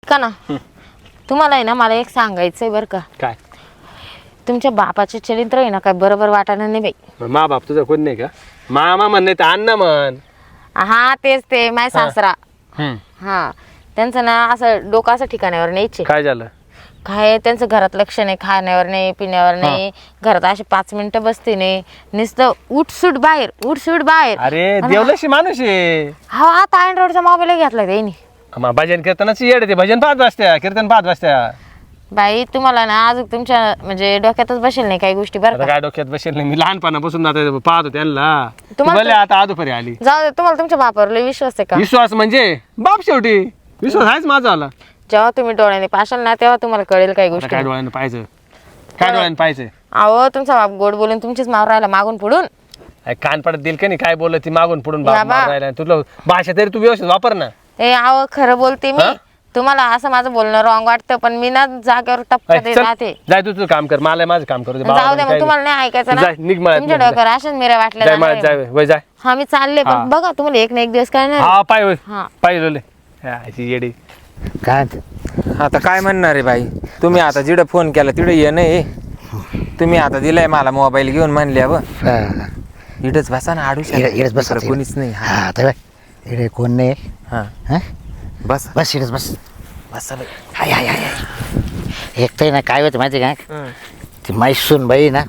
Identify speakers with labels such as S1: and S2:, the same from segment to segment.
S1: का ना तुम्हाला आहे ना मला एक सांगायचंय बरं का.
S2: काय
S1: तुमच्या बापाचे चरित्र आहे ना काय बरोबर वाटायला नाही बाई.
S2: मा बाप तुझा कोण नाही का? मामा म्हण नाही तर अण्णा म्हण.
S1: हा तेच ते माय सासरा. हा त्यांचं ना असं डोकं असं ठिकाणावर न्यायचे.
S2: काय झालं?
S1: काय त्यांचं घरात लक्ष नाही, खाण्यावर नाही, पिण्यावर नाही, घरात असे 5 मिनिटं बसते नाही, नुसतं उठसूट बाहेर उठसूट बाहेर.
S2: अरे देवलशी माणूस आहे.
S1: हा आता अँड्रॉइडचा मोबाईल घेतला त्यांनी.
S2: भजन कीर्तनाची येड ते भजन पाहत बसत्या, कीर्तन पाहत बसत्या.
S1: बाई तुम्हाला ना अजून तुमच्या म्हणजे डोक्यातच बसेल नाही काही गोष्टी बरं
S2: आता
S1: का.
S2: काय डोक्यात बसेल नाही, मी लहानपणापासून आता पाहतो त्यांना.
S1: तुम्हाला
S2: भले आता आदोपरी आली.
S1: जाऊ दे, तुम्हाला तुमच्या बापावर लय विश्वास आहे का?
S2: विश्वास म्हणजे बाप शेवटी विश्वास आहेच माझा आला.
S1: जेव्हा तुम्ही डोळ्याने पाशाल ना तेव्हा तुम्हाला कळेल काही
S2: आता
S1: गोष्टी.
S2: काय डोळ्यानं पाहायचं, काय डोळ्यानं पाहायचं?
S1: अहो तुमचा बाप गोड बोलून तुमचीच मावर राहिला मागून पुढून.
S2: कान पडत दिल का नाही काय बोलत ती मागून पुढून बाप
S1: बाबा.
S2: मारून राहिला. तुला भाषा तरी तू व्यवस्थित वापर ना.
S1: ए अहो खरं बोलते मी. तुम्हाला असं माझं बोलणं रॉंग वाटतं पण मी ना जागेवर टपका देत
S2: चल,
S1: राहते.
S2: जाय तू तुझं काम कर, मला माझं काम करू दे.
S1: जाऊ दे मग तुम्हाला नाही ऐकायचं ना.
S2: जाय, निघ मळ्यात,
S1: तुमच्या
S2: निघ,
S1: डोक्यावर अशाच मेऱ्या वाटल्या
S2: जाय
S1: जाणार
S2: मळ्यात,
S1: आहे.
S2: जाय वय जाय.
S1: हा मी चालले
S2: हा.
S1: पण बघा तुम्हाला एक ना एक दिवस काय नाही.
S2: हा पाय होय
S1: हा.
S2: पाय लोले येडी.
S3: काय
S4: आता काय म्हणणार आहे बाई, तुम्ही आता जिडं फोन केला तिडं ये नाही. तुम्ही आता दिलाय मला मोबाईल घेऊन म्हणल्या व इडच बसा ना आडू
S3: इकडेच बस
S4: कोणीच नाही.
S3: हा तर इकडे कोण नाही.
S4: हा
S3: हा
S4: बस
S3: बस इकडेच बस.
S4: बसा बाई.
S3: हाय हाय हाय. एक तर ना काय होतं माहिती काय, ती मैसून बाई ना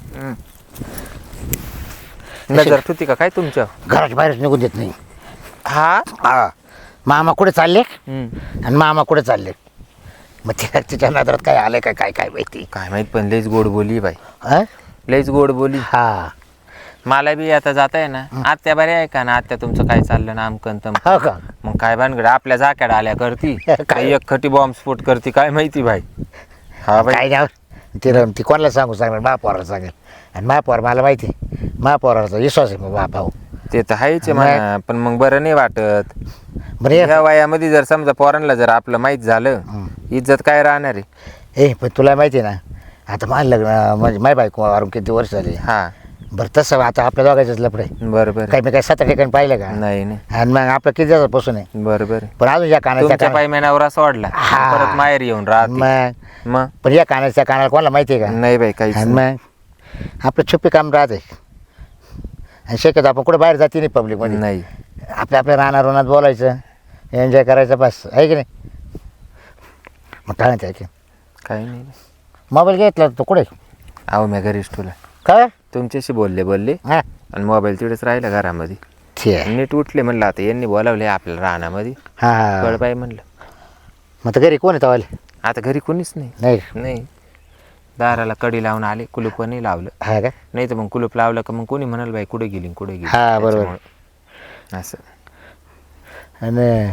S4: नजर ठुती का काय तुमच्या?
S3: घराच्या बाहेरच निघून देत नाही.
S4: हा
S3: हा मामा कुठे चालले
S4: हम्म.
S3: आणि मामा कुठे चालले, मग तिच्या नजरात काय आलंय काय काय काय माहिती.
S4: काय माहित पण लईच गोड बोली बाई,
S3: हा
S4: लईच गोड बोली.
S3: हा
S4: मला बी आता जाता आहे ना आत्या बऱ्या आहे का ना, आत्या तुमचं काय चाललं ना आमकन तम.
S3: हो का.
S4: मग काय भानगड आपल्या जाक्याड आल्या करती
S3: काय?
S4: एक खटी बॉम्ब स्फोट करती काय माहिती भाई. हा बाई
S3: काय नाही ती कोणाला सांगू सांगणार, महापौराला सांगेल. आणि महापौर मला माहिती आहे, महापौराचा विश्वास आहे मग बापाव.
S4: ते तर आहेच आहे म्हणा, पण मग बरं नाही वाटत.
S3: बरं ये.
S4: या वयामध्ये जर समजा पोरांना जर आपलं माहीत झालं इज्जत काय राहणार आहे.
S3: पण तुला माहिती आहे ना आता माझं लग्न म्हणजे माझी बायको वारून किती वर्ष झाली.
S4: हा
S3: बरं तसं आता आपल्या दोघांचंच लफडं आहे.
S4: बरोबर
S3: काही मी काय 7 ठिकाणी पाहिलं का?
S4: नाही नाही
S3: आणि मग आपलं किती दिवसापासून आहे.
S4: बरोबर
S3: पण अजून या कानाच्या
S4: तुमच्या पाय महिन्यावर असं वाढला
S3: हा.
S4: परत माहेर येऊन राहत
S3: मग
S4: मग
S3: पण या कानाच्या कानाला कोणाला माहिती आहे का?
S4: नाही बाई काहीच
S3: आणि
S4: नाही.
S3: मग आपलं छुपी काम राहते आणि शक्यतो आपण कुठे बाहेर जाते नाही पब्लिकमध्ये.
S4: नाही
S3: आपल्या रानात बोलायचं, एन्जॉय करायचं, बस आहे की नाही. मग काय म्हणते की
S4: काही नाही.
S3: मोबाईल घेतला तो कुठे
S4: अहो मी घरीच तुला
S3: काय
S4: तुमच्याशी बोलले
S3: हां
S4: आणि मोबाईल तिकडेच राहिला घरामध्ये.
S3: ठीक आहे.
S4: नीट उठले म्हणलं आता यांनी बोलावले आपल्याला रानामध्ये
S3: हां
S4: कळ बाई म्हणलं.
S3: मग तर घरी कोण आहे तवाले?
S4: आता घरी कोणीच नाही.
S3: नाही
S4: नाही दाराला कडी लावून आले, कुलूप नाही लावलं.
S3: हा का.
S4: नाही तर मग कुलूप लावलं का मग कोणी म्हणाल बाई कुठे गेली कुठे गेली.
S3: हा, बरोबर.
S4: त्याच्यामुळं. असं
S3: आणि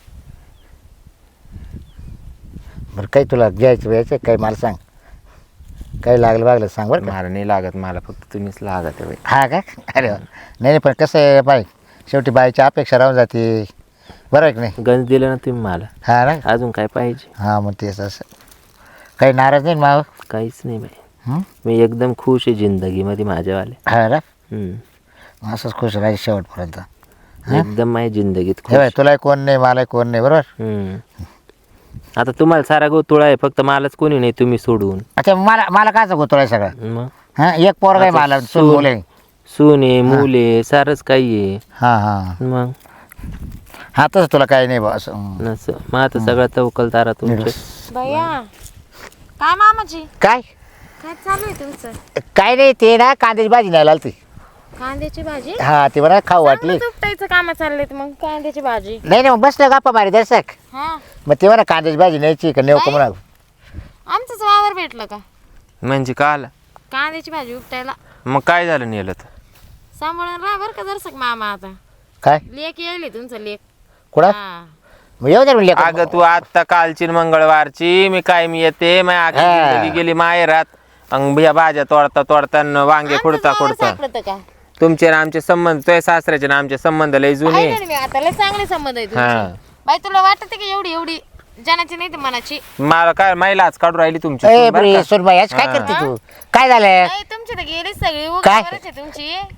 S3: बरं काही तुला घ्यायचं काही मला सांग, काही लागलं सांग बरं का.
S4: मला नाही लागत, मला फक्त तुम्हीच लागत आहे बाई.
S3: हा का. अरे वा. नाही पण कसं आहे बाई, शेवटी बाईची अपेक्षा राहून जाते, बरं आहे की नाही.
S4: गंज दिलं ना तुम्ही मला,
S3: हा ना.
S4: अजून काय पाहिजे?
S3: हां मग तेच असं काही नाराज नाही माव.
S4: काहीच नाही बाई, मी एकदम खुश आहे जिंदगीमध्ये माझ्यावाले.
S3: हा ना.
S4: हम्म.
S3: असंच खुश राहायचं शेवटपर्यंत.
S4: एकदम माझ्या जिंदगीत
S3: हे
S4: खुश.
S3: बाई तुलाही कोण नाही मलाही कोण नाही, बरोबर.
S4: आता तुम्हाला सारा गोतुळा आहे, फक्त मलाच कोणी नाही तुम्ही सोडून.
S3: अच्छा मला काय सांगू तुला सगळं.
S4: मग
S3: हां एक पोरगा आहे मला, सून मुले.
S4: सुने मुले सारच काही आहे.
S3: हां हां
S4: मग
S3: हां तसं तुला काही नाही बा असं.
S4: नसं मग आता सगळा तवकल तारा तुमच्या.
S1: भैया काय मामाजी
S3: काय
S1: काय चालू आहे तुमचं?
S3: काय नाही ते ना कांद्याची भाजी न्यायला आलती.
S1: कांद्याची भाजी?
S3: हा ती बरं खाऊ वाटली.
S1: उपटायचं काम चाललेत मग कांद्याची भाजी.
S3: नाही मग बसलं गप्पा मारी दर्शक.
S1: हा
S3: मग ते म्हणा कांद्याची भाजी न्यायची का नेऊ का म्हणा.
S1: आमचंच वावर भेटलं का
S4: म्हणजे का आला?
S1: कांद्याची भाजी उपटायला?
S4: मग काय झालं नेलं तर?
S1: सांभाळून राहा बरं का दर्शक मामा. आता
S3: काय
S1: लेक येईल तुमचं लेक.
S3: कुठं
S1: हा
S3: मग येऊ दे म्हणले.
S4: अगं तू आता कालची न मंगळवारची मी काय मी येते माझी आखी
S3: हा.
S4: जिंदगी गेली माहेरात. अंग या भाज्या तोडता न वांगे
S1: आमचंच
S4: खुडता
S1: वावर
S4: खुडता.
S1: सापडतं का?
S4: तुमचे आणि आमचे संबंध, तुझ्या सासऱ्याचे ना आमचे संबंध लय जुने.
S1: आहे ना मी आता लय चांगले संबंध आहे
S4: हा.
S1: तुमचे. बाई तुला वाटत की एवढी जनाची नाही तर मनाची?
S4: मला काय महिलाच काढून राहिली तुमची
S3: ए
S4: सून बरं
S3: बरी
S4: का?
S3: सोनबाई आज काय
S4: हा.
S3: करते तू? काय झालं?
S1: नाही तुमची तर गेली सगळी
S3: काय?
S1: उगाच आहे तुमची.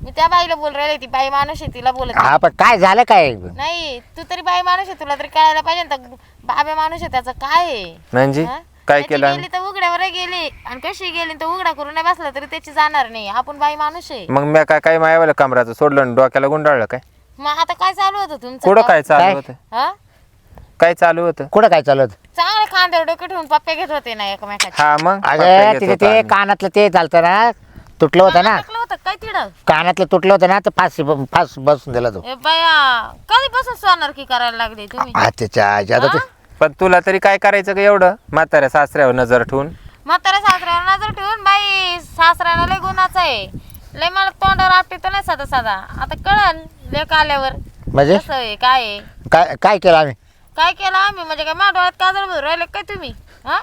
S1: मी त्या बाईला बोल राहिले, ती बाई माणूस आहे तिला बोलत आहे.
S3: हा पण काय झालं काय
S1: नाही तू तरी बाई माणूस आहे, तुला तरी कळायला पाहिजे ना. बाबा माणूस आहे त्याचं काय आहे
S4: म्हणजे
S1: हा?
S4: काय
S1: त्याची
S4: केलं
S1: गेली तर उघड्यावर गेली आणि कशी गेली तर उघडा करून नाही बसला तरी त्याची जाणार नाही. आपण बाई माणूस आहे.
S4: मग मी काय मायावाला कमराचं सोडलं आणि डोक्याला गुंडाळलं काय
S1: मग आता काय चालू होतं तुमचं?
S4: कुठं काय चालू
S3: काय?
S4: होतं
S1: हा
S4: काय चालू होतं
S3: कुठं काय चालत
S1: चांगले खांद्यावर डोके ठेवून पप्पे घेत होते ना एकमेकाचे.
S4: हा मग पप्पा
S3: अगं
S4: घेत
S3: तिथे
S4: होता
S3: ते
S4: आम्ही.
S3: कानातलं ते चालतं ना तुटलं होतं ना
S1: टाकलं होतं काय तिडं?
S3: कानातलं तुटलं होतं ना तर फास बसून दिला तो
S1: ए बाया कधीपासून सोनार की करायला लागले तुम्ही?
S3: त्याच्या आता ते
S4: पण तुला तरी काय करायचं का एवढं म्हाताऱ्या सासऱ्यावर नजर ठेवून
S1: म्हाताऱ्या सासऱ्यावर नजर ठेवून बाई सासऱ्यानं लय गुन्हाचं आहे. लय मला तोंडावर आपटे तर नाही साधा साधा. आता कळन लेक आल्यावर
S3: म्हणजे
S1: कसं आहे काय आहे.
S3: काय काय केलं आम्ही
S1: काय केलं आम्ही म्हणजे काय माझ्या डोळ्यात काजळ भरून राहिले काय तुम्ही? हा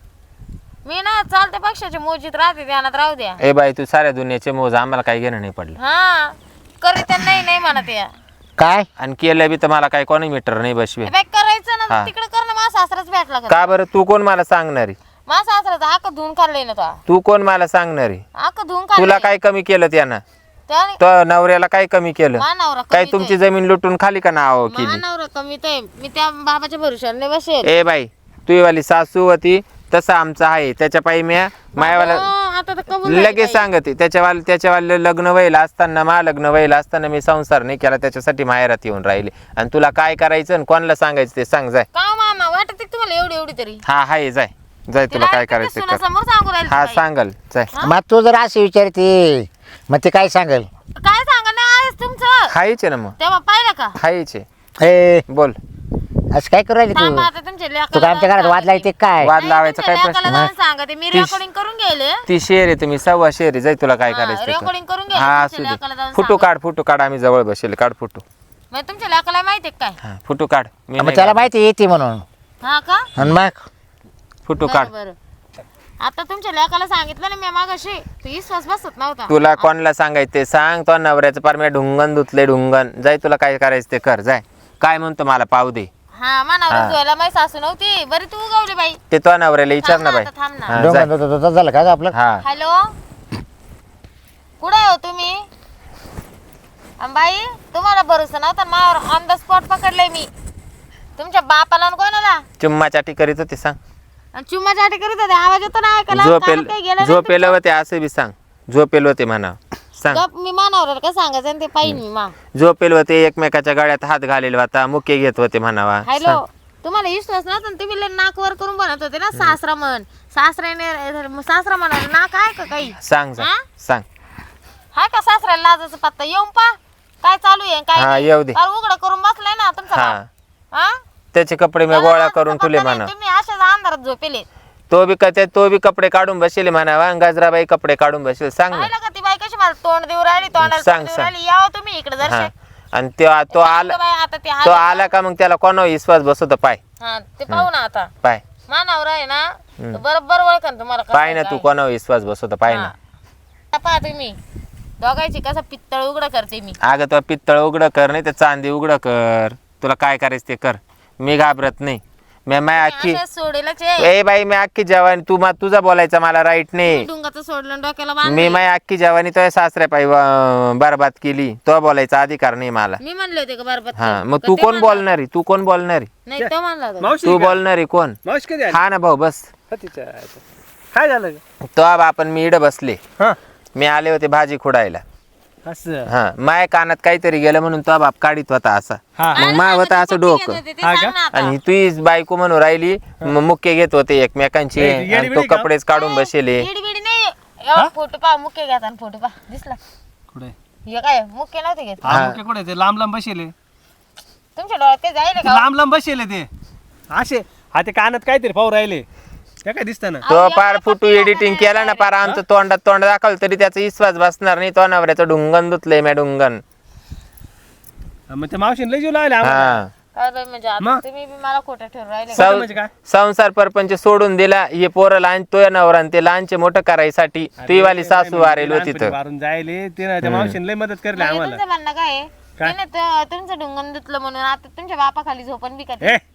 S1: मी ना चालते पक्षाच्या मोजीत राहते ध्यानात राहू द्या.
S4: ए बाई तू साऱ्या दुनियाचे मोज आम्हाला काही घेणं नाही पडलं
S1: हा करीत नाही नाही म्हणत या.
S3: काय
S4: आणि केलं बी तर मला काही कोणी मीटर नाही बसवे
S1: ए बाई करायचं ना
S4: हा.
S1: तिकडे कर ना. माझा सासराच भेटला का?
S4: का बरं तू कोण मला सांगणारी
S1: माझा सासराचा आक धुवून खाल्लंय ना तो.
S4: तू कोण मला सांगणारी
S1: आक धुवून
S4: तुला
S1: खाल्लंय
S4: काय कमी केलं त्यानं
S1: त्याने.
S4: तो नवऱ्याला काय कमी केलं
S1: मानावरा
S4: काय
S1: कमी
S4: तुमची जमीन लुटून खाली का नाव केली
S1: मानावरा कमी ते मी त्या बाबाच्या भरोशावर नाही बसेल.
S4: ए बाई तुझी वाली सासू होती तसं आमचं आहे त्याच्या पायी म्या मायावाला
S1: आता तर कबूल झाली
S4: लगेच
S1: बाई.
S4: सांगते त्याच्यावालं लग्न व्हायला असताना लग्न व्हायला असताना मी संसार नाही केला त्याच्यासाठी माहेरात येऊन राहिले आणि तुला काय करायचं आणि कोणाला सांगायचं ते सांग जाय
S1: का मामा वाटत आहे तुम्हाला एवढी एवढी तरी?
S4: हा हाय जाय जाय तुला काय करायचं ते कर
S1: समोर सांगू राहील
S4: हा सांगल जाय
S3: मग तू जर अशी विचारते मग ते काय सांगेल
S1: काय सांगा ना आहेस तुमचं
S4: हायचे ना मग
S1: तेव्हा पाहिलं का?
S4: हायचे
S3: ए
S4: बोल
S3: असं काय करू राहिली
S1: थांबा
S3: तू
S1: आता तुमच्या
S3: तू
S1: लेकाला
S3: काय आमच्या घरात
S1: जाऊन
S3: वाद लायते काय
S4: वाद
S1: नाही,
S4: लावायचा
S1: तुमच्या
S4: काय
S1: लेकाला
S4: प्रश्न
S1: जाऊन सांगते मी रेकॉर्डिंग करून गेले.
S4: ती शेर आहे तुम्ही सव्वा शेर आहे जाय तुला काय
S1: हा,
S4: करायचं ते
S1: recording करून
S4: कर.
S1: घे,
S4: हा
S1: तुमच्या
S4: असू
S1: लेकाला
S4: दे
S1: जाऊन
S4: फोटो काढ आम्ही जवळ बसेल काढ फोटो
S1: मग तुमच्या लेकाला माहिती आहे काय?
S4: हा फोटो काढ मी
S3: मग
S4: नाही
S3: त्याला
S4: काढ.
S3: माहिती येते म्हणून
S1: हा का?
S3: आणि मग
S4: फोटो काढ
S1: बरं आता तुमच्या लेकाला सांगितलं ना मी मागाशी तू विश्वास बसत नव्हता.
S4: तुला कोणाला सांगायचं ते सांग तो नवऱ्याचं पार मी ढुंगण धुतले ढुंगण जाय तुला काय करायचं ते कर जाय काय म्हणतो मला पाहू दे
S1: हा मानावर
S4: हा.
S1: धुवायला माझी सासू नव्हती बरी तू उगवली बाई.
S4: ते तो नवऱ्याला विचार ना बाई
S1: थांब ना.
S4: हा, जाय.
S3: डोंगर झालं का ग आपलं
S4: हा
S1: हॅलो कुठे हो तुम्ही? बाई तुम्हाला भरोसा नव्हता मावर ऑन द स्पॉट पकडलंय मी तुमच्या बापाला आणि कोणाला
S4: चुम्मा चाटी करीत होते सांग
S1: आणि चुम्मा चाटी करीत होते आवाज येतो ना ऐकायला कानात काही गेलं नाही
S4: झोपेल होते असं बी सांग झोपेल होते म्हणा सांग
S1: गप मी मानावर का सांगायचं आणि ते पाहिजे मी मा.
S4: झोपेल होते एकमेकाच्या गळ्यात हात घालेल होता मुके घेत होते म्हणावा
S1: हॅलो तुम्हाला विश्वास नव्हता ना तुम्ही लय नाक वर करून बनत होते ना सासरा म्हण सासरा म्हणाला नाक आहे का काही?
S4: सांग सांग
S1: हा?
S4: सांग
S1: हाय का सासऱ्याला लाजाचं पत्ता येऊन पा काय चालू आहे काय
S4: हा,
S1: नाही?
S4: येऊ दे.
S1: अरे उघडं करून बसलाय ना तुमचा
S4: हा
S1: बाप. हा?
S4: त्याचे कपडे मी
S1: त्याला
S4: गोळा
S1: लाजाचा
S4: करून ठेवले
S1: पत्ता नाही,
S4: म्हणा
S1: तुम्ही अशाच अंधारात झोपेले.
S4: तो बी कपडे काढून बसेल म्हणावा आणि गजराबाई कपडे काढून बसेल सांग ना
S1: पाहिलं का ती बाई कशी मला तोंड देऊ राहिली तोंडाला
S4: सांग,
S1: तोंड देऊ
S4: सांग.
S1: राहिली यावं तुम्ही इकडे
S4: हा
S1: जर
S4: आणि तो आला
S1: आता ते
S4: तो आला का मग त्याला कोणा विश्वास बसवतो पाय
S1: हा ते पाहू ना आता
S4: पाय
S1: मानावर आहे ना तो बरोबर ओळखन तुम्हाला कसं
S4: पाय ना
S1: आहे,
S4: तू
S1: काय.
S4: कोणा विश्वास बसवतो पाय ना
S1: हा. पहा तुम्ही दोघांची कसं पित्तळ उघड करते मी.
S4: अगं तो पित्तळ उघडं कर नाही तर चांदी उघडं कर तुला काय करायचं ते कर मी घाबरत नाही मी अख्खी
S1: असं सोडेलच आहे.
S4: ए बाई मी अख्खी जवानी तुझा बोलायचा मला राईट नाही
S1: डुंगाचं सोडलं आणि डोक्याला
S4: मी
S1: बांधलं.
S4: माय अख्खी जवानी तो सासऱ्या पायी बरबाद केली तो बोलायचा अधिकार नाही मला
S1: मी म्हणले होते का बरोबर
S4: हा मग तू कोण बोलणारी
S1: नाही तो म्हणला होता.
S2: मावशी
S4: तू
S2: का?
S4: बोलणारी कोण
S2: मावशी कधी आली?
S4: हा ना भाऊ बस
S2: हा, तिच्या काय झालं ग?
S4: तो आपण मी इड बसले
S2: हा
S4: मी आले होते भाजी खुडायला
S2: असं
S4: हा माय कानात काहीतरी गेलं म्हणून तो बाप काढीत होता असा
S2: हा
S4: मग मा होता असं डोकं
S1: ते
S2: हा
S1: सांग
S2: का?
S1: ना आता.
S4: आणि तुझी बायको म्हणून राहिली मुक्के घेत होते एकमेकांची
S2: ए, येडी
S4: आणि तो
S2: बिडी का?
S4: कपडेच काढून बसेले
S1: येडी बिडी नाही एवढा फोटो पहा मुख्य घ्या आणि फोटो पहा दिसला
S2: कुठे
S1: हे काय मुख्य नव्हते घेत
S2: हा मुख्य कुठे ते लांब लांब बसेले
S1: तुमच्या डोळ्यात ते जाईल
S2: ते
S1: का?
S2: लांब लांब बसेले ते असे हा ते कानात काहीतरी पाहू राहिले ते काय दिसत ना
S4: तो पार फोटो एडिटिंग केला ना पार आमचं तोंड दाखवलं तरी त्याचा विश्वास बसणार नाही तो नवऱ्याचं ढुंगण धुतलंय मी ढुंगण
S2: मग ते मावशीने लय जीव लावले आम्हाला.
S4: हा
S1: काय बाई म्हणजे आता
S2: मग?
S1: तुम्ही बी मला खोटं ठेवून राहिले
S2: सौ- म्हणजे काय?
S4: संसार परपंच सोडून दिला हे पोरं लहान तो नवरा आणि ते लहानचे मोठं करायसाठी ती वाली सासू वारेल होती तर
S2: मारून जायले ते त्या मावशीने लय मदत करली
S1: म्हणजे
S2: आम्हाला
S1: तुमचं म्हणणं काय आहे?
S2: काय?
S1: तिने तुमचं ढुंगण धुतलं म्हणून आता तुमच्या बापाखाली झोपण बी का ते?
S2: ए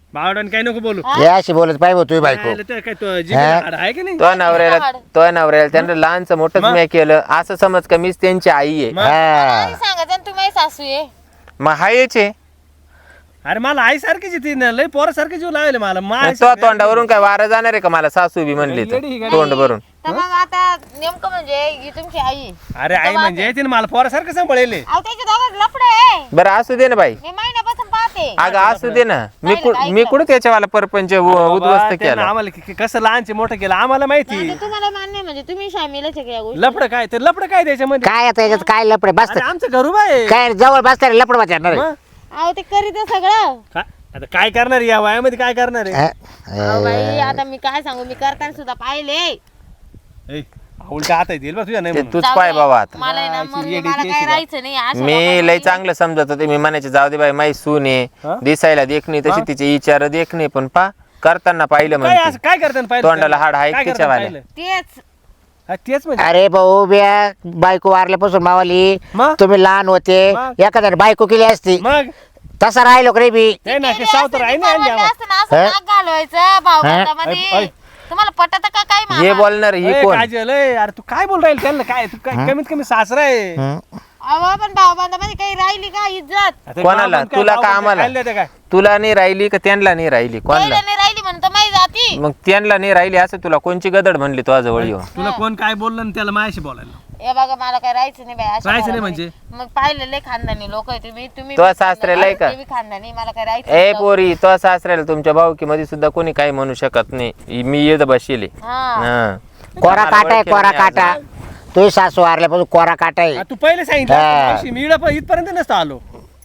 S2: बावडाने काय नको बोलू
S3: हे अशी बोलत पाहिजे तुम्ही बायको
S2: यायला तर काय तो जिभेला हाड आहे की नाही
S4: तो नवऱ्याला त्यांना लहानचं मोठंच मी केलं असं समज का मीच त्यांची आई आहे.
S3: हा
S1: सांगायचं ना तुम्ही सासू आहे.
S4: मग हायच आहे.
S2: अरे मला आई सारखीच ती ना लय पोरासारखी जीव लावले मला
S4: तो तोंडावरून काय वारं जाणार आहे का मला सासू बी म्हणली तर तोंड भरून.
S1: तर मग आता नेमकं म्हणजे ही तुमची आई आहे.
S2: अरे आई म्हणजे तिने मला पोरासारखं सांभाळले
S1: अहो त्याच्या दोघांत लफडं आहे.
S4: बरं असू दे ना बाई.
S1: मी महिन्यापासून पाहते.
S4: अगं असू दे ना मी कुठं त्याच्यावाला परपंच उद्ध्वस्त केला.
S2: आम्हाला कसं लहानचे मोठं केलं आम्हाला माहिती
S1: आता तुम्हाला मान्य म्हणजे तुम्ही शामिलच आहे का या गोष्टी?
S2: लपड काय तर लपड काय त्याच्यामध्ये
S3: काय आता याच्यात काय लपडे बसत
S2: अरे आमचं घरू बाय
S3: काय जवळ बसता लपड वाचणार
S2: मग
S1: अहो ते करीत सगळं.
S2: आता काय करणार या वयामध्ये काय करणार आहे
S1: अहो बाई आता मी काय सांगू मी करताना सुद्धा पाहिले.
S2: ए, उलटा हात येईल बा तुझ्या नाही
S4: ते
S2: म्हणून.
S4: तूच पाय बाबा आता.
S1: मला आहे ना मग मला काय राहायचं नाही अशा
S4: मी लय चांगलं समजत होते मी म्हणायचे जाऊ दे बाई माई सून आहे दिसायला देखणी तशी तिचे विचार देखणे पण पा करताना पाहिलं
S2: काय
S4: म्हणजे
S2: असं काय करताना पाहिलं
S4: तोंडाला हाड आहे
S2: काय करताना
S4: त्याच्यावाले.
S2: पाहिलं?
S1: तेच
S2: हा, तेच म्हणजे
S3: अरे भाऊ बिया बायको वारल्यापासून मावाली
S2: मग?
S3: तुम्ही लहान होते
S2: मग?
S3: एखाद्याने बायको केली असती
S2: मग
S3: तसा राहिलो रे मी
S2: ते ना ते सावतर आहे ना
S1: परवडलं
S2: आम्हाला.
S1: असतं ना असं नाक घालवायचं भाऊबंदामध्ये.
S2: ऐ, ऐ.
S1: तुम्हाला पटत का काय
S4: हे
S1: मामा?
S4: बोलणार ही
S2: ए,
S4: कोण
S2: काजल ए, अरे तू काय बोल राहील त्यांना काय तू काय कमीत कमी सासरा आहे
S1: अहो पण भाऊबंदामध्ये काही राहिली का इज्जत?
S2: आता
S4: कोणाला?
S2: गावात काय
S4: तुला का
S2: गावात
S4: आम्हाला?
S2: खायला देतं काय
S4: तुला नाही राहिली का त्यांना नाही राहिली कोणाला
S1: पहिलं नाही राहिली म्हणतो माही जाती.
S4: मग त्यांना नाही राहिली असं तुला कोणची गदड म्हणली तो जवळ येऊन
S2: तुला कोण काय बोललं आणि त्याला माझ्याशी बोलायला
S1: हे बघा मला काय राहायचं नाही बाई अशा
S2: राहायचं नाही
S1: घरामध्ये. मग पाहिलेले खानदानी लोक आहे तुम्ही
S4: तो सासऱ्याला आहे का?
S1: ते बी खानदानी मला काय राहायचं
S4: ए
S1: नाही.
S4: पोरी तो सासऱ्याला तुमच्या भाऊकीमध्ये सुद्धा कोणी काही म्हणू शकत नाही मी येत बसले
S1: हा.
S3: कोरा काटा आहे कोरा काटा तुझी सासू वारल्यापासून कोरा काटा आहे
S2: हा, तू पहिले सांगितलं
S3: हा.
S2: मावशी, मी इथपर्यंत नसतो आलो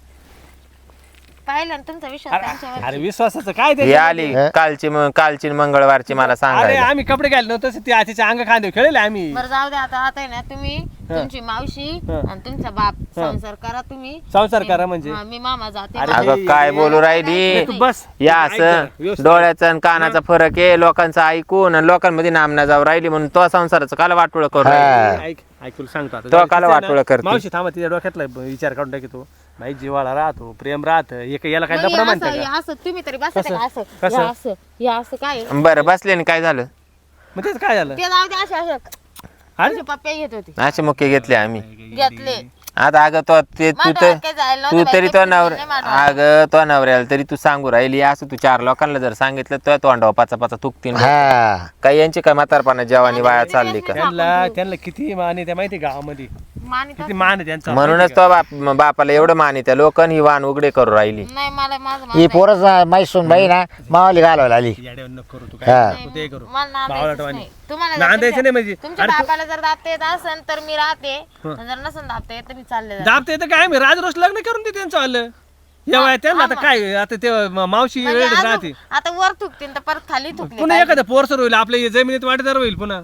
S1: पाहिलं ना तुमचा विश्वास त्यांच्यावर.
S2: अरे विश्वासाचं काय
S4: हे
S2: ते
S4: आली कालची मंगळवारची मला
S2: अरे
S4: सांगायला
S2: आम्ही कपडे घालले नव्हतं ते आतीच्या अंग खांदे खेळले आम्ही
S1: बरं जाऊ दे आता आहे ना तुम्ही तुमची मावशी आणि तुमचा बाप संसार करा तुम्ही.
S2: संसार करा म्हणजे
S1: हा, मी मामा जाते.
S2: अरे,
S4: अगं काय बोलू राहिली
S2: तू बस
S4: या
S2: ऐक
S4: असं
S2: जरा, व्यवस्थित.
S4: डोळ्याचा आणि कानाचा फरक आहे लोकांचं ऐकून आणि लोकांमध्ये नामना जाऊ राहिली म्हणून तो संसाराचं काल वाटोळ करू राहिली.
S2: ऐक ऐक तुला सांगतो आता.
S4: तो काला
S2: तिचं आहे ना,
S4: वाटोळं करते.
S2: मावशी थांबा तिच्या डोक्यातला विचार काढून टाकतो भाई जिवाळा राहतो प्रेम राहत याला काय
S1: मग
S2: लपडा
S1: हे
S2: म्हणते
S1: असं-
S2: का
S1: हे असं तुम्ही तरी बसता का असं
S2: कसं?
S1: हे असं हे असं काय आहे?
S4: बरं बसले आणि काय झालं
S2: मग तेच काय झालं
S1: ते जाऊ दे असे असे
S2: अरे
S1: असे पप्पे घेत होते
S4: असे मुख्य घेतले आम्ही
S1: घेतले.
S4: आता अगं तो ते तू
S1: माझ्या
S4: तर
S1: डोक्यात काय जायला
S4: तू
S1: नव्हतं
S4: तरी
S1: बाई,
S4: तो
S1: काही
S4: नवरा
S1: नाही माझ्या
S4: अगं तो नवऱ्याला तरी तू सांगू राहिली असं तू 4 लोकांना जर सांगितलं तर तोंडावर पाचा तुकतीन
S3: हा
S4: काही यांची काय म्हातारपणा जेवानी वाया चालली का
S2: त्यांना किती मान आहे त्या माहिती गावामध्ये
S1: मानित
S2: किती मान आहे त्यांचा
S4: म्हणूनच तो बापाला एवढं मानी त्या लोकांनी वाण उघडे करू राहिली
S1: नाही मला माझं
S3: ही पोरच माहीत सून बाई ना मावाली घालवायला आली
S2: येड्यावर नको करू तू
S3: हा.
S2: काय तू ते करू
S1: मला नांदायचंच
S2: बावळटवाणी.
S1: नाही. तुम्हाला जर
S2: नांदायचं
S1: तुमच्या-
S2: नाही म्हणजे
S1: तुमच्या
S2: अरे तू-
S1: बापाला जर दाबता येत असेल तर मी राहते आणि जर नसेल दाबता येत तर मी चालले जाते.
S2: दाबता येतं काय मी राजरोस लग्न करून दे त्यांचं आलं या वयात त्यांना आता काय आता ते मावशी
S1: म्हणजे
S2: वेळ
S1: अजून-
S2: राहते
S1: आता वर थुकतील तर परत खाली थुकले
S2: पुन्हा एखादं पोरसर होईल आपल्या जमिनीत वाटेदार होईल पुन्हा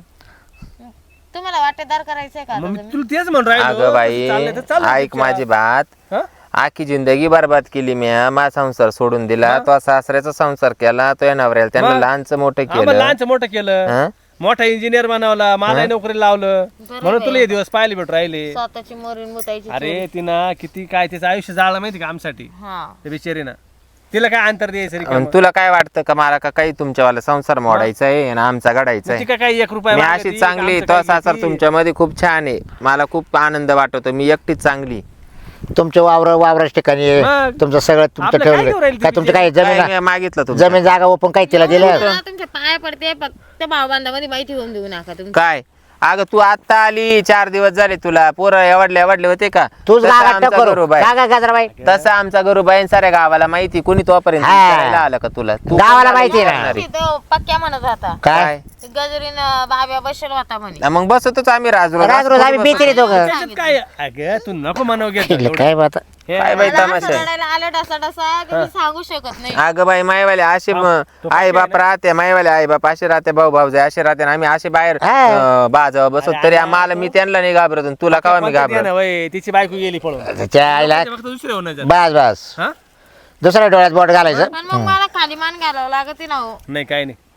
S1: तुम्हाला वाटेदार करायचंय का आता
S2: मग मी
S1: तुम्ही?
S2: तुला तेच म्हणून राहिलो
S4: अगं बाई
S2: तसं चाललंय तर चालू दे
S4: ऐक
S2: तुझ्या.
S4: माझी बात
S2: हा?
S4: आखी जिंदगी बरबाद केली मी मा संसार सोडून दिला तो सासऱ्याचा संसार केला तो या नवऱ्याला त्यांना
S2: मग?
S4: लहानचं मोठं
S2: आम्हाला
S4: केलं
S2: लहानचं मोठं केलं
S4: हं?
S2: मोठा इंजिनियर बनवला मला नोकरी लावलं म्हणून तुला हे दिवस पाहिले भेट राहिले
S1: स्वतःची मोरीन मुतायची
S2: अरे तिनं किती काय तिचं आयुष्य जाळलं माहिती का आमसाठी
S1: हा
S2: त्या बिचारीनं तिला काय अंतर द्यायचं
S4: आणि
S2: रिकामं?
S4: तुला काय वाटतं का मला का काही तुमच्यावाला संसार मोडायचा आहे आणि आमचा घडायचा
S2: ती
S4: आहे
S2: काय काही 1 रुपया
S4: मी
S2: मागती,
S4: अशी चांगली
S2: आमचं
S4: तो
S2: काय
S4: सासर
S2: घेती.
S4: तुमच्यामध्ये खूप छान आहे मला खूप आनंद वाटतो मी एकटीच चांगली
S3: तुमच्या वावराच्या ठिकाणी आहे.
S2: मग?
S3: तुमचं सगळं तुमचं
S2: आपलं काय घेऊन
S3: ठेवलं
S2: राहिली
S3: काय
S2: ती
S3: तुमचं काय
S4: काय
S3: जमीन
S4: मी मागितलं तुमचं
S3: जमीन जागा ओपन काय तिला दिलं
S1: मला तुमच्या पाया पडते फक्त भावबांधामध्ये माहिती होऊन देऊ नका तुम्ही.
S4: काय अगं तू आता आली 4 दिवस झाले तुला पोरं एवढले होते का
S3: तूच
S4: तसा
S3: गागात
S4: आमचा
S3: करू
S4: गरुबाई.
S3: गागा गजराबाई
S4: तसा आमचा गरुबाई साऱ्या गावाला माहिती कोणी तोपर्यंत
S3: हा.
S4: विचारायला आलं का तुला तू
S3: गावाला
S4: कोणाला
S3: माहिती ना.
S4: विचारणार आहे?
S1: तिथं पक्क्या म्हणत होता
S3: काय
S1: ते गजरीन बाब्या बसेल होता म्हणे.
S4: मग बसतोच आम्ही
S3: राज रोज आम्ही बेकरी दोघं
S2: त्याच्यात काय अगं तू नको म्हणावं घेत
S3: केलं काय बात
S4: काय बाई
S1: मला
S4: तमाशा
S1: असं
S4: आहे?
S1: रडायला आलं डसा की मी सांगू शकत नाही.
S4: अगं बाई मायवाले असे आई बाप राहते मायवाले आई बाप असे राहते भाऊ भाऊजे असे राहते आणि आम्ही असे बाहेर बाजावर बसत तरी मला मी त्यांना नाही घाबरत आणि तुला का मी घाबरत
S2: तिची बायको गेली पळून
S3: त्याच्या आईला
S2: फक्त दुसरे होणार
S3: बस बस
S2: हा
S3: दुसऱ्या डोळ्यात बोट घालायचं
S1: पण मग मला खाली मान घालावं लागत ना हो.
S2: नाही काय नाही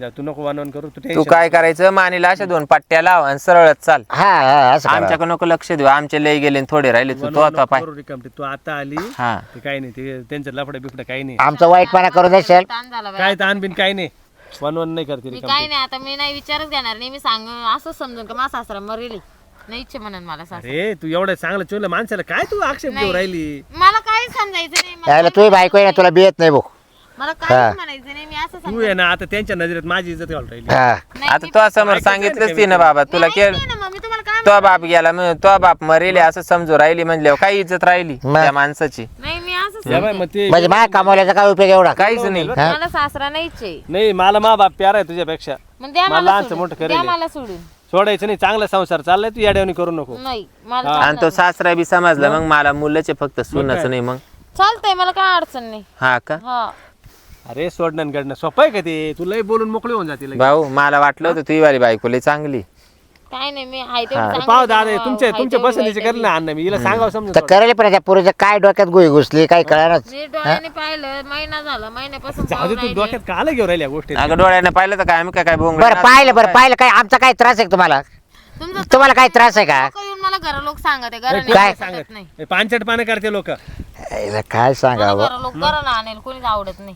S2: जा, तू नको वनवन करू तू
S4: तू
S2: tension
S4: काय करायचं मानेला अशा 2 पट्ट्या लाव आणि सरळच चाल.
S3: हा हा असं करा.
S4: आमच्याकडे नको लक्ष देऊ, आमचे लय गेले आणि थोडे राहिले. तू तो आता पाय.
S2: करू रिकामटे. तू आता आली
S4: हा
S2: ते काही नाही, ते त्यांचं लफडे बिफडे काही नाही,
S3: आमचा वाईटपणा करून देशाल.
S1: ताण झाला बाई.
S2: काय ताण बिन काही नाही, वनवन नाही करते
S1: मी
S2: रिकामटे.
S1: काय नाही आता मी नाही विचारच घेणार नाही. मी सांग असं समजून का माझा सासरा मरेली नाही इच्छा म्हणून मला सासरा.
S2: अरे तू एवढं चांगलं चोरलं माणसाला काय तू आक्षेप घेऊ राहिली.
S1: मला काही समजायचं नाही.
S3: यायला तुही बायको आहे ना तुला बियत नाही भाऊ.
S1: मला काही म्हणायचं नाही. मी असं
S2: तू आहे ना आता त्यांच्या नजरेत माझी इज्जत घालून राहिली.
S3: हा
S4: आता तो समोर सांगितलंच ती ना बाबा तुला केलं.
S1: मी तुम्हाला काय
S4: तो बाप गेला तो बाप मरेले असं समजू राहिली म्हणल्यावर काही इज्जत राहिली
S3: मग.
S4: त्या माणसाची.
S1: नाही मी असं
S2: या बाई, मग ते
S3: म्हणजे माझ्या कमावल्याचा काय उपयोग एवढा.
S4: काहीच नाही.
S1: मला सासरा नाहीच आहे.
S2: नाही मला मा बाप प्यारा आहे तुझ्यापेक्षा.
S1: मग द्या
S2: मला
S1: मला
S2: लहानचं
S1: सोडून.
S2: मोठं
S1: द्या
S2: करेल.
S1: मला सोडून.
S2: सोडायचं नाही, चांगला संसार चाललाय, तू याड्यावणी करू नको.
S1: नाही मला
S4: आणि तो सासरा बी समजला मग मला मुलाचे फक्त सुनच नाही मग.
S1: चालतंय मला काय अडचण नाही.
S4: हा का
S1: हा
S2: अरे सोडणं आणि गडणं सोपं आहे का ते. तुलाही बोलून मोकळी होऊन जाते लगेच.
S4: भाऊ मला वाटलं होतं तुझी वाली बायको लय चांगली.
S1: काय नाही मी आहे
S4: हा.
S1: तेवढं
S2: पाव दादा
S1: चांगलं
S2: तुमच्या
S1: आहे
S2: तुमच्या
S1: तेवढं
S2: पसंतीचे
S1: वाईट
S2: करेल ना अण्णा, मी हिला सांगावं समजून.
S3: तर करेल पण त्या पुरीच्या काय डोक्यात गोळी घुसली काही कळणार.
S1: मी डोळ्याने पाहिलं महिना झाला महिन्यापासून
S2: जाऊ दे,
S1: पाहून
S2: तू डोक्यात काला घेऊन राहिल्या गोष्टी.
S4: अगं डोळ्याने पाहिलं तर काय आम्ही काय बोंग
S3: बरं पाहिलं काय आमचा काय त्रास आहे का तुम्हाला.
S1: तुमचं
S3: तुम्हाला काय त्रास आहे का.
S1: लोकं येऊन मला घर लोक सांगत आहे
S3: काय?
S1: घराने सांगत नाही.
S2: हे पानचट पानं करते लोक.
S3: याला काय सांगावं.
S1: घर लोक घरानं आणेल कोणीच आवडत नाही.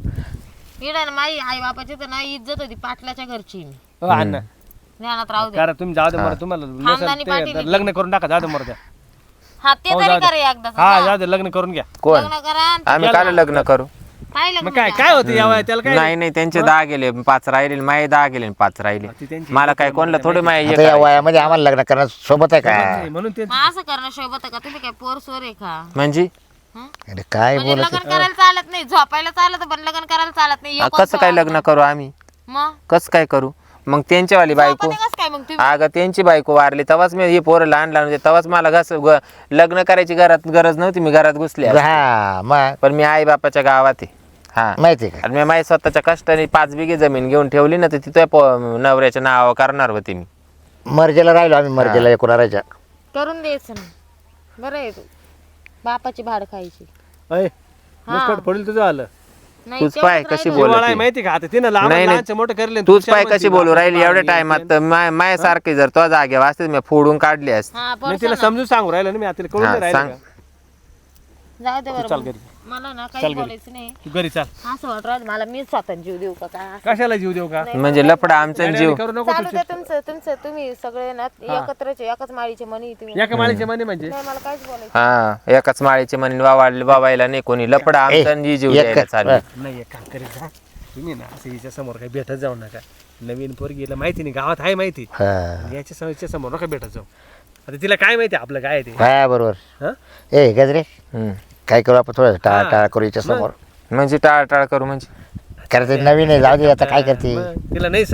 S1: इकडे माझी आई बापाची तर ना इज्जत होती पाटलाच्या घरची मी
S2: अण्णा
S1: ध्यानात राहू दे.
S2: करा तुम्ही, जाऊ दे मरत तुम्हाला
S1: खानदानी
S2: नसेल
S1: पाटील
S2: ते
S1: आहे.
S2: लग्न करून टाका, जाऊ दे मरत.
S1: हा ते
S2: हो,
S1: तरी
S2: जाऊ दे.
S1: करा एकदा
S2: हा जाऊ दे, लग्न करून घ्या.
S4: कोण
S1: लग्न करा आणि
S4: आम्ही काल लग्न करू.
S1: काय लग्न
S2: मग काय काय होतं या वयात त्याला काय.
S4: नाही नाही त्यांचे 10 गेले 5 राहिले माये 10 गेले 5 राहिले.
S2: ती त्यांची
S4: मला काय कोणला थोडे माये
S3: आता या वयामध्ये आम्हाला लग्न करणं सोबत आहे का.
S2: नाही, म्हणून ते
S1: मग असं करणं शोभत का. तुम्ही काय पोर सोर आहे का.
S4: म्हणजे
S1: हं?
S3: अरे काय
S1: म्हणजे
S3: बोलत
S1: लग्न करायला चालत नाही, झोपायला चालत पण लग्न करायला चालत नाही. हे
S4: कसं काय लग्न करू आम्ही.
S1: मग
S4: कसं काय करू मग त्यांच्यावाली बायको.
S1: झोपते कसं काय मग तुम्ही.
S4: अगं त्यांची बायको वारली तेव्हाच मी हे पोरं लहान लहान होते तेव्हाच मला लग्न करायची गरज नव्हती. मी घरात घुसले असते.
S3: हा मग
S4: पण मी आई बापाच्या गावात आहे. हा
S3: माहिती का.
S4: आणि मी माझ्या स्वतःच्या कष्टाने 5 बिघे जमीन घेऊन ठेवली ना तर तिथं नवऱ्याच्या नावावर करणार होते मी.
S3: मर्जीला राहिलो आम्ही मर्जीला एकुणाराच्या.
S1: करून द्यायचं ना. बरं आहे तू बापाची भाड खायची.
S2: अय, मुस्कट पडेल तुझं आलं.
S1: नाही
S4: तूच
S1: तेवढंच
S4: पाय
S1: राहिलं.
S4: कशी
S2: जिव्हाळा आहे
S4: बोलत
S2: माहिती का. आता तिनं लहान
S4: नाही, नाही.
S2: लहानचं मोठं करेल.
S4: तूच पाय कशी बोलू राहिली एवढ्या टायमात माझ्यासारखी जर तो जागे वाचते मी फोडून काढली असते.
S1: हा
S2: मी तिला समजून सांगू राहिलं ना, मी आता तिला कळून
S4: हा,
S2: नाही राहिलं
S4: सांग.
S2: का?
S1: जाऊ दे
S2: चाल
S1: बरं
S2: घरी.
S1: मला ना
S2: चाल
S1: काही
S2: घरी.
S1: बोलायचं नाही.
S2: तू घरी चाल.
S1: असं वाटत राहत मला मी स्वतः जीव देऊ का काय असं.
S2: कशाला जीव देऊ का.
S4: म्हणजे लफडा आमचा जीव.
S2: येड्यावानी करू नको
S1: चालू
S2: तू.
S1: द्या तुमचं तुमचं तुम्ही सगळे ना एकत्रच आहे, एकाच माळीचे मनी तुम्ही.
S2: एका माळीचे म्हणे म्हणजे
S1: नाही मला काहीच बोलायचं
S4: हा एकाच माळीचे म्हणून वावायला नाही कोणी लफडा आमचा आणि जीव
S3: एक
S4: द्यायला चालू.
S2: नाही. एक काम करीत जा तुम्ही ना, असं हिच्या समोर काही भेटत जाऊ नका. नवीन पोरगीला माहिती नाही, गावात आहे माहिती.
S3: हा
S2: याच्या समोर नका भेटत जाऊ. आता तिला काय माहिती आपलं काय आहे ते.
S3: हा, बरोबर.
S2: हं?
S3: ए गजरे
S4: हम्म.
S3: काय करू आपण थोडं टाळा
S2: हा.
S3: टाळा करू याच्या समोर.
S4: म्हणजे टाळाटाळ करू म्हणजे
S3: करायचं नवीन आहे जाऊ दे आता काय करते.
S2: मग तिला नाही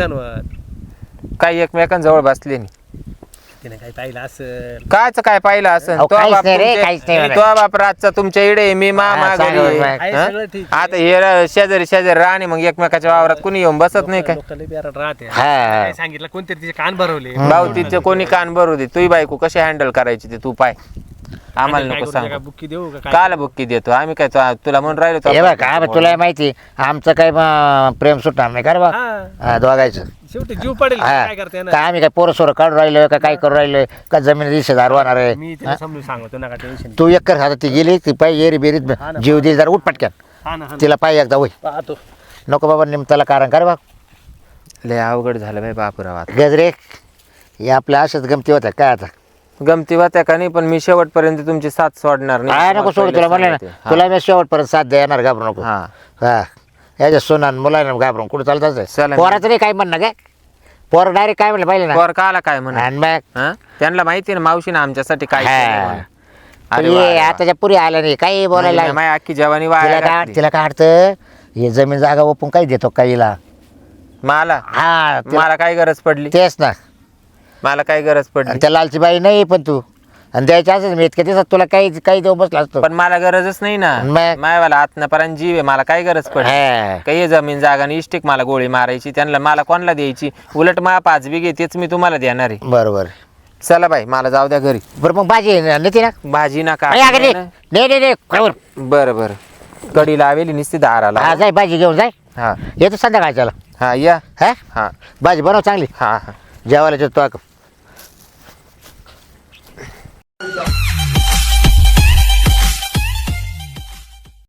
S2: सणवत.
S4: काही एकमेकांजवळ बसले नाही.
S2: तिने काही पाहिलं असेल.
S4: कायच काय पाहिलं असं
S3: अहो, काहीच नाही रे, काहीच नाही म्हणत.
S4: तो बाप रातचा तुमच्या इडे मी मामा
S3: हा,
S4: घरी
S3: चालेल,
S4: आहे.
S3: बाय.
S2: आहे
S4: हं?
S2: सगळं ठीक.
S4: आता हे शेजारी राहणे मग एकमेकाच्या वावरात कुणी येऊन बसत नाही काय.
S2: लोकांना बिहारात राहते.
S3: हा.
S2: काय सांगितलं कोणतरी तिचे कान भरवले.
S4: भाऊ तिथे कोणी कान भरू दे तुही बायको कशी हँडल करायची ते तू पाय आम्हाला
S2: काय
S4: नको
S2: करू,
S4: सांग.
S2: काय बुक्की देऊ का काय.
S4: काला बुक्की देतो आम्ही काय तुला म्हणून राहिलो
S3: हे बघ काय बघ, तुला माहिती आमचं काय प्रेम सुटणार नाही का रे बा.
S2: हा.
S3: हा, दोघायचं.
S2: शेवटी जीव पडेल.
S3: हा.
S2: काय करते ना.
S3: काय आम्ही काय पोरं सोरं काढून राहिलो का काय करू राहिलो का जमीन दिशेदार होणार आहे.
S2: मी तिला समजून सांगतो नका टेन्शन.
S3: तू एक कर आता ती गेली ती पाय एरी बेरीत जीव दे जरा उठ पटक्यान.
S2: हा ना, हा ना.
S3: तिला पाय एकदा होय
S2: पाहतो.
S3: नको बाबा निमताला कारण कर बा.
S4: लय अवघड झालं बाई बापुराव आता.
S3: गजरे हे आपल्या अशाच गमती होत्या काय आता.
S4: गमती होत्या का नाही पण मी शेवटपर्यंत तुमची साथ सोडणार
S3: काय नको सोड तुला म्हणलं ना तुला मी शेवटपर्यंत साथ देणार घाबरू नको.
S4: हा
S3: हा याच्या सोनान मुलांना घाबरून कुठं चालतात
S4: चला.
S3: पोराचं नाही काय म्हणणं काय पोर डायरेक्ट काय म्हणलं पाहिजे ना.
S4: पोर काला काय म्हणा
S3: आणि मग
S4: त्यांना माहिती ना मावशीने आमच्यासाठी काय
S3: हा.
S4: केलं म्हणून. अरे
S3: ये
S4: वा, अरे वा.
S3: आताच्या पुरी आल्या नाही काही बोलायला
S4: नाही, माझी अख्खी जवानी
S3: तिला
S4: वाया
S3: काय
S4: घातली.
S3: तिला काय अडतं हे जमीन जागा ओपून काही देतो काहीला.
S4: मला
S3: हा
S4: मला काय गरज पडली
S3: तेच ना.
S4: मला काय गरज पडली
S3: आणि त्या लालची बाई नाही पण तू आणि द्यायच्या असं मी इतक्या दिवसात तुला काही काही देऊ बसला असतो.
S4: पण मला गरजच नाही ना
S3: मग?
S4: मायवाला आत्मपर्यंत जीव आहे मला काय गरज पडली
S3: हा.
S4: काही जमीन जागा आणि इष्टिक मला गोळी मारायची त्यांना मला कोणाला द्यायची उलट मा 5 बिघे तेच मी तुम्हाला देणार आहे.
S3: बरोबर.
S4: चला बाई मला जाऊ द्या घरी
S3: बरं मग भाजी नेते ना.
S4: भाजी नका
S3: अरे अगं नाही नाही नाही काय बरं.
S4: बरं बरं कडी लावेली नुसती दाराला
S3: हा जाय भाजी घेऊन जाय
S4: हा
S3: येतो संध्याकाळच्याला.
S4: हा या
S3: हा
S4: हा
S3: भाजी बनव चांगली
S4: हा हा
S3: जेवायला तो